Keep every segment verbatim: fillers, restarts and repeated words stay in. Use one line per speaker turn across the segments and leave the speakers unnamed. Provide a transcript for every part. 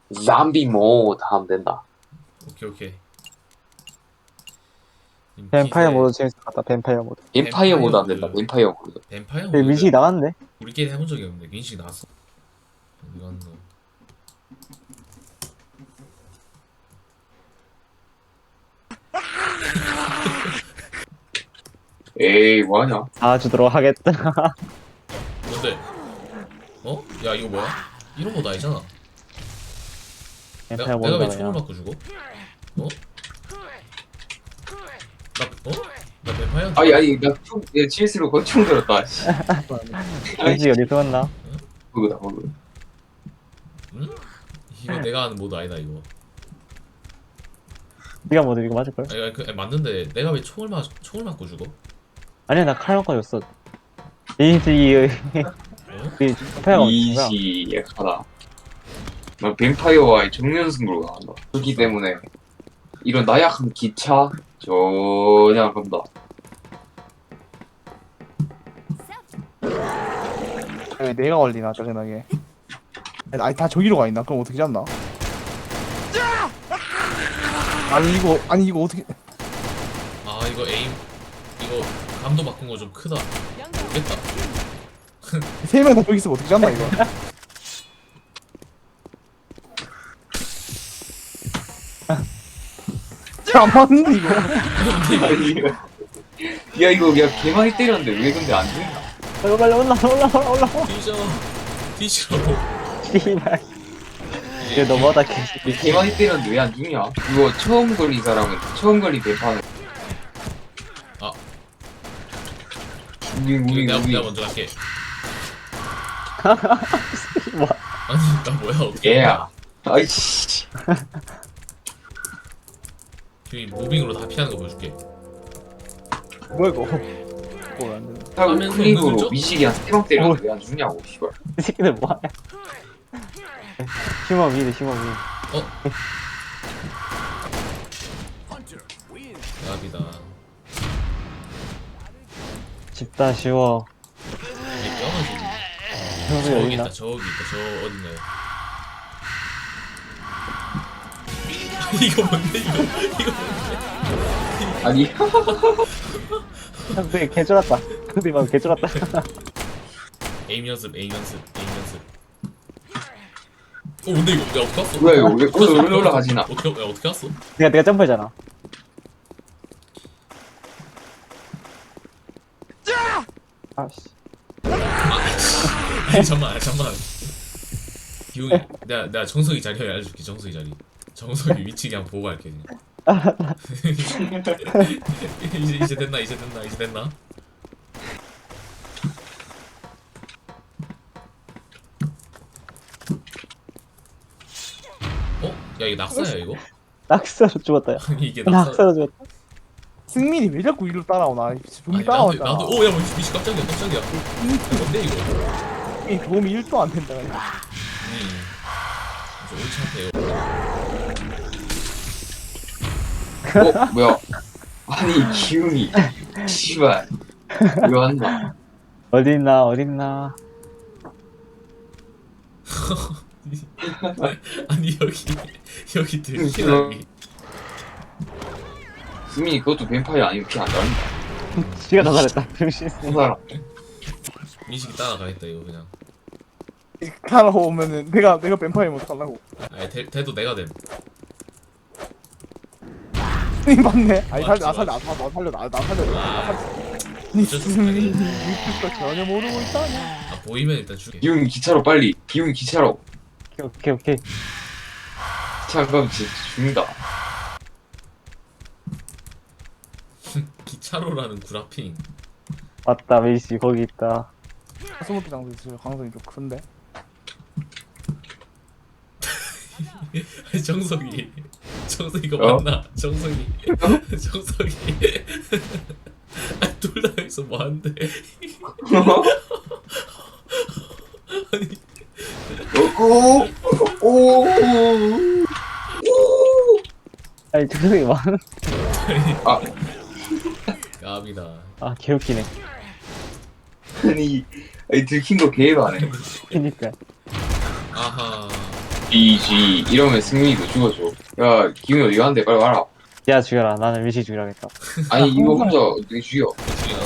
잠비 모드 하면 된다.
오케이 오케이.
뱀파이어 모드 재밌을 것 같다. 뱀파이어 모드.
뱀파이어 모드 안
모드.
된다. 뱀파이어 모드.
뱀파이어
근데
모드
민식이 나갔네.
우리끼리 해본 적이 없는데 민식이 나왔어. 이건 뭐
에이 뭐하냐?
나와주도록 하겠다.
뭔데? 어? 야 이거 뭐야? 이런 거 아니잖아. 내가,
뱀파이어
내가 왜
모드가
총을
그냥.
맞고 죽어? 어? 나 어? 나 뱀파이어?
아니 아니 나 총, 내 실수로 권총 들었다. 씨.
민식이 어디서 왔나?
그거다 그거.
응? 이거 내가 하는 모드 아니다 이거.
네가 모드 이거 맞을걸?
아니, 아니, 그, 아니 맞는데 내가 왜 총을 맞 총을 맞고 죽어?
아니야, 나 칼만까지였어. 민식이
어?
우리 뱀파이어가 어디야?
이시 약하다. 나 뱀파이어와의 정면승부로 나간다. 그렇기 때문에 이런 나약한 기차 전혀 안 간다.
왜 내가 걸리나 짜증나게. 아니 다 저기로 가 있나? 그럼 어떻게 잡나? 아니 이거 아니 이거 어떻게?
아 이거 에임 이거 감도 바꾼 거 좀 크다. 모르겠다.
세 명 다 저기 있으면 어떻게 잡나 이거? 안 맞는데 이거.
아니, 이거- 야 이거 야 개 많이 때렸는데 왜 근데 안 죽나?
빨리 빨리 올라 올라 올라 올라.
뒤져 뒤져.
씨발. 이게 너무하다 개.
개 많이 때렸는데 왜 안 죽냐? 이거 처음 걸린 사람은 처음 걸린 뱀파이어.
아.
우리 우리
내가,
우리
내가 먼저 갈게.
뭐?
아니 나 뭐야 어떻게?
얘야. 아이씨.
이 무빙으로 다 피하는 거 보여줄게.
뭐야 이거? 뭐야 안 되네.
하고
화면에서
클릭으로
누르죠?
미식이 한 세 방 때렸는데 왜 안 죽냐고 씨발.
이 새끼들 뭐하냐? 휴먼 위드 휴먼 위.
어? 나비다.
집다 쉬워.
이게 뼈가지고.
형수
저기
여기
있다
있나?
저기 있다 저 어딨나요? 이거 뭔데 이거 이거
아니
형수 개 쫄았다. 형수 막 개 쫄았다.
에임 연습 에임 연습 에임 연습. 어 근데 이거 내가 어떻게 왔어?
뭐야 이거 왜
어떻게
올라 올라가지나?
어떻게 야, 어떻게 왔어?
내가 내가 점프했잖아. 아씨.
아니 잠만 잠만. 기웅이 내가 내가 정석이 자리 알려줄게. 정석이 자리. 정석이 위치 그냥 보고 갈게 그냥. 이제 이제 됐나 이제 됐나 이제 됐나? 어? 야 이거 낙사야 이거?
낙서로 죽었다. 야.
아니 이게 낙사.
낙서로 죽었다.
승민이 왜 자꾸 이리로 따라오나? 분명
아니 나도
따라왔잖아.
나도 오야 뭐 미치 깜짝이야 깜짝이야. 야, 뭔데 이거?
이 도움이 일도 안 된다. 그냥.
음. 저 옳지 않대요.
어 뭐야? 아니 기운이 씨발 이거 한다.
어딨나 어딨나.
아니 여기 여기 들키라기.
수민이 그것도 뱀파이어 아니면 피 안 나온다.
지가 더 잘했다. 병신.
그 사람.
민식이 따라가겠다 이거 그냥.
따라오면은 내가 내가 뱀파이어 어떡하려고.
아니 대, 대도 내가 됨.
승민 맞네. 아니
맞지,
살려 나 살려
맞지.
나 나 살려 나 나 살려 나 살려. 니
어쩔 수 없네.
승민이 유튜브 전혀 모르고 있다냐.
아 보이면 일단 죽게.
기운이 기차로 빨리. 기운이 기차로.
오케이 오케이.
기차 가면 진짜 죽는다.
기차로라는 구라핑.
맞다 메이씨 거기 있다.
스무피 장소 있어요. 강성이 좀 큰데.
정석이 정석이가
어?
맞나? 정석이 정석이 아둘 다 여기서 뭐하는데? 아니
오, 오, 오.
아니 저기 많은.
아,
까비다.
아 개웃기네.
아니, 아니 들킨 거 개가 안 해.
그니까.
아하.
지지 이러면 승민이도 죽어줘. 야 기훈이 어디 가는데 빨리 와라.
야 죽여라. 나는 밀시 죽여야겠다.
아니 이거 혼자 어떻게 죽여?
죽이나?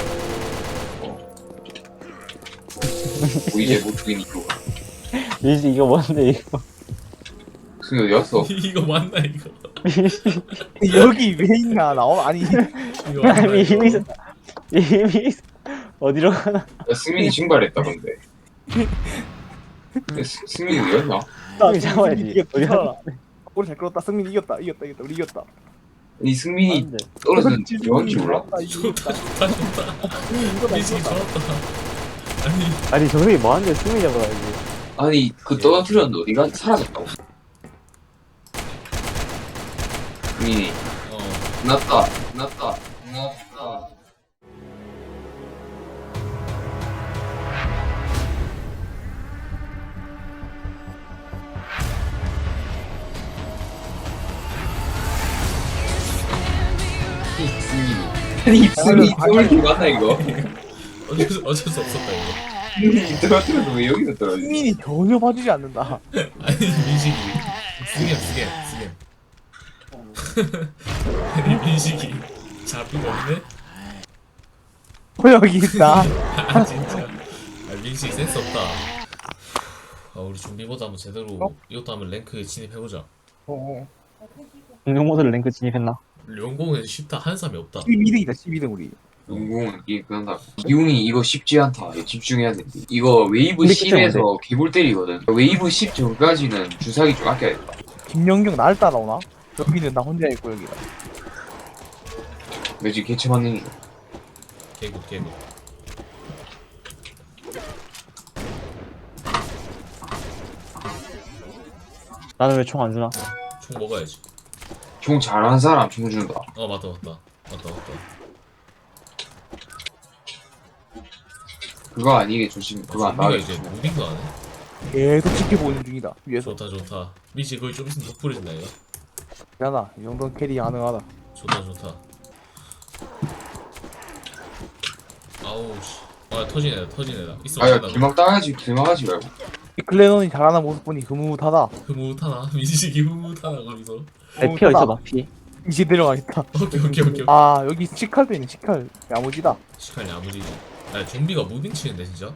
뭐 이제 못 죽이니까.
밀시 이거 뭔데 이거?
승민이 어디 갔어?
이거 맞나 이거?
밀시
여기 왜 있나 나오 아니
이거 맞나
이미
이거?
이미 있었다. 이미 있- 어디로 가나?
야 승민이 증발했다 근데. 야, 승- 승민이 어디 갔나?
승민이 잡아야지.
이겼다.
어디 가나?
우리 잘 끌었다 승민이 이겼다 이겼다 이겼다 우리 이겼다
아니 승민이
안돼.
떨어지는 영원치 몰라?
좋다 좋다 좋다.
승민이 이겼다
미식이
이겼다
좋았다. 아니
아니 정승이 뭐하는데 승민이 잡아야지.
아니 그 떨어뜨렸는데 어디가 사라졌다고. 승민이
어
끝났다 끝났다 끝났다. 아니 승민이 떨어진 거 맞나 이거?
어쩔 수, 어쩔 수 없었다 이거.
승민이 떨어뜨려서 왜 여기서 떨어지지?
승민이 전혀 봐주지 않는다
아니 민식이 스겜 스겜 스겜. 아니 민식이 잡히가 없네?
어 여기 있다
아 진짜. 아 민식이 센스 없다. 아 우리 준비보다 한번 제대로
어?
이것도 한번 랭크에 진입해보자.
어
공룡 모드를 랭크 진입했나?
용공에서 쉽다 하는 사람이 없다.
십이 등이다 십이 등 우리
용공은 게임 끝난다. 기훈이 이거 쉽지 않다. 이거 집중해야 돼. 이거 웨이브
근데
십에서 개볼 때리거든. 웨이브 십 전까지는 주사기 좀 아껴야겠다.
김영경 나를 따라오나? 여기는 나 혼자 있고 여기가
너 지금 개체 맞는 거.
개구 개구.
나는 왜 총 안 주나?
총 먹어야지.
총 잘하는 사람 총 준다.
어 맞다 맞다 맞다 맞다.
그거 아니게 조심. 그거 안
우리가
나게
이제
조심.
무빙도 안 해?
계속 지켜보고 있는 중이다 위에서
좋다 좋다. 민식 거기 좀 있으면 덕분해진다 이거.
괜찮아 이 정도는 캐리 가능하다
좋다 좋다. 아우 씨. 아 터지네 터지네. 있어
아야
없나?
길막 따야지. 길막하지 말고.
이 클레논이 잘하는 모습 보니 흐뭇하다
흐뭇하나? 민식이 흐뭇하나 거기서.
내 피 어디서 봐 피?
이제 내려가겠다
오케이 오케이 오케이.
아 여기 시칼도 있네 시칼 야무지다
시간이 아무리. 야 좀비가 무빙 치는데 진짜.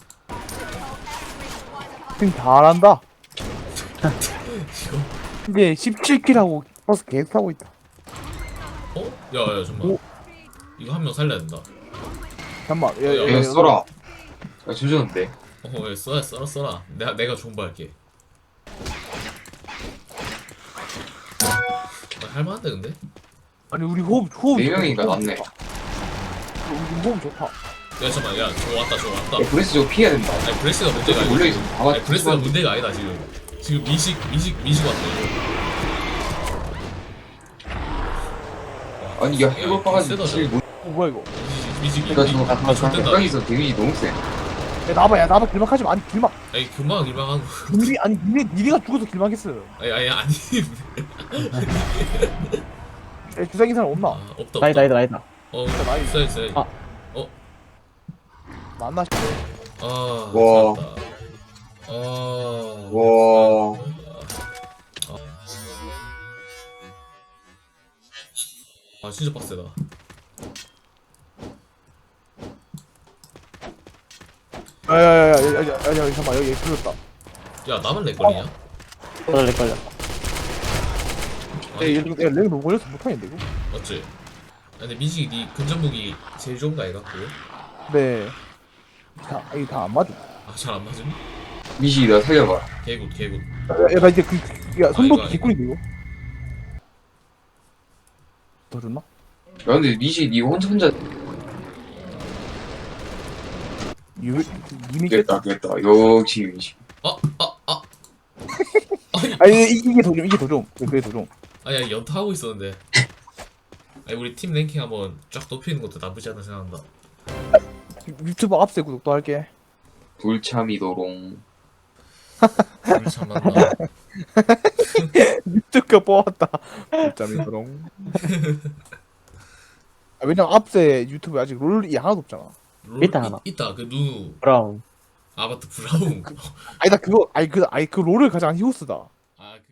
지금 잘한다
이거.
이제 십칠 킬하고 버스 계속 타고 있다
어? 야야 잠만.
오.
이거 한 명 살려야 된다.
잠깐만 야, 야,
내가
야,
써라. 야 조졌는데.
어, 야, 써라, 써라, 써라. 내가, 내가 존버할게. 아, 할만한데, 근데?
아니 우리 호흡 호흡
네
좋다.
명이니까 낫네.
우리 호흡 좋다
야, 잠깐만, 야, 저 왔다, 저 왔다.
야 브레스 저거 피해야 된다.
아니, 브레스가 문제가 아니야.
몰려 있어. 봐봐.
아니, 브레스가 문제가 아니다, 지금. 지금 민식, 민식, 민식 왔다, 이거.
아니 야 해볼 바가지
세다,
제일 못.
어 뭐야 이거
민식, 민식,
나 저거
아, 좋댄다.
가까이서 데미지 너무 세.
야 나봐 야 나봐 길막하지 마 아니 길막
아니, 금방, 금방 하고.
니리 아니 니네 니네가 죽어서 길막했어
아니, 아니, 아니.
야 주사기 사람 없나
아, 없다, 없다.
나이다 나이다 나이다.
어,
나이.
있어, 있어.
아.
만나
아,
와.
잘했다. 아.
와.
아, 진짜 빡세다.
야야야야야야 잠깐만 여기 풀렸다
야, 나만 렉 걸리냐?
걸려 렉 걸려.
아니,
야렉 너무 걸려서 못하겠는데 이거
맞지? 아, 근데 민식이 니 근접무기 제일 좋은 거 아이가? 그거?
네 다, 이게 다 안 맞아
아, 잘 안 맞음?
미시 나 살려봐.
개굿, 개굿.
야 나 이제 그, 그 야,
아,
선도
이거
개꿀인데 이거 더 줬나?
야 근데 미시 니 혼자 혼자
유, 이미
됐다 됐다. 역시 미시.
아, 아, 아. 아니,
아니 이, 이게 더좀 이게 더좀 그게 더좀
아니, 연타하고 있었는데. 아니, 우리 팀 랭킹 한번 쫙 높이는 것도 나쁘지 않다 생각한다.
유튜브 앞세 구독도 할게
불참이도롱.
우리 참 맞다.
유튜브 뽑았다 진짜미 그럼 아, 왜냐면 앞세 유튜브에 아직 롤이 하나도 없잖아
롤,
있다, 하나.
이, 있다, 그 누누.
브라운.
아, 맞다, 브라운.
아니 나 그거 아니 그 아니 그 롤을 가장 히오스다
아 그